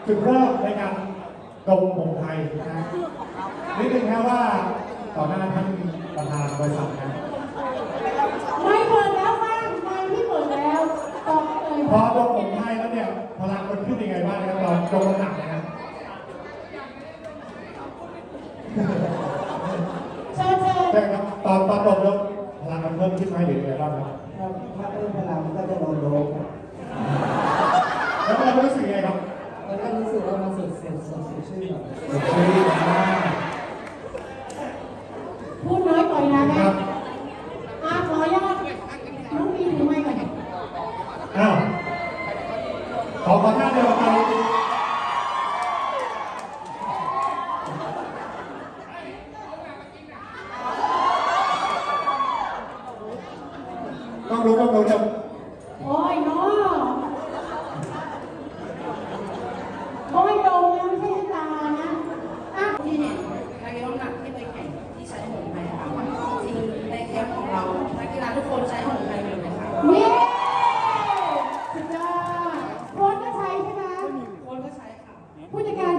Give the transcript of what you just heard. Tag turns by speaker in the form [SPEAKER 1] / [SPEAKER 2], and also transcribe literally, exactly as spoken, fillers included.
[SPEAKER 1] จุดเริ่มในการดมผงไทยนะนิดนึงครับว่าต่อหน้าท่านประธานบริษัทนะ
[SPEAKER 2] ไม่เปิดแล้วบ้างไม่ที่เปิดแล้วต่อเลย
[SPEAKER 1] พอดมผงไทยแล้วเนี่ยพลังมันขึ้นยังไงบ้างครับตอนดมหนักนะ
[SPEAKER 2] เชิญเชิญ
[SPEAKER 1] ใช่ครับตอนตอนดมแล้วพลังมันเพิ่มขึ้นไหมหรือยังไงบ้างครับ
[SPEAKER 3] ถ้าถ้าเพิ่มพลังก็จะโดนโดน
[SPEAKER 1] แล้วเรารู้สึกยังไงครับ
[SPEAKER 3] มันก็รู้สึกว่ามันสดสดสดสดชื่นแบบ
[SPEAKER 1] สดชื่นมาก
[SPEAKER 2] พูดน้อยปล่อยนะแม่อาขออนุญาตน้องมีหรือไม่ก่อน
[SPEAKER 1] อ้าวขอขอหน้าเดียวกันต้องรู้ต้องรู้จะ
[SPEAKER 2] โอ้ยน้อโอ้ยโดมนะไม่ใช่ตานะอ่ะ
[SPEAKER 4] ที่เห็นนักกีฬาหนักที่ไปแข่งที่ใช้สมุนไพรค่ะจริงในแคมป์ของเรานักกีฬาทุกคนใช้สมุนไพรหมดเลยค่ะ
[SPEAKER 2] นี่สุดยอดโค้ชก็ใช้ใช่ไหม
[SPEAKER 4] โค้ชก็ใช้ค่ะ
[SPEAKER 2] ผู้จัดการ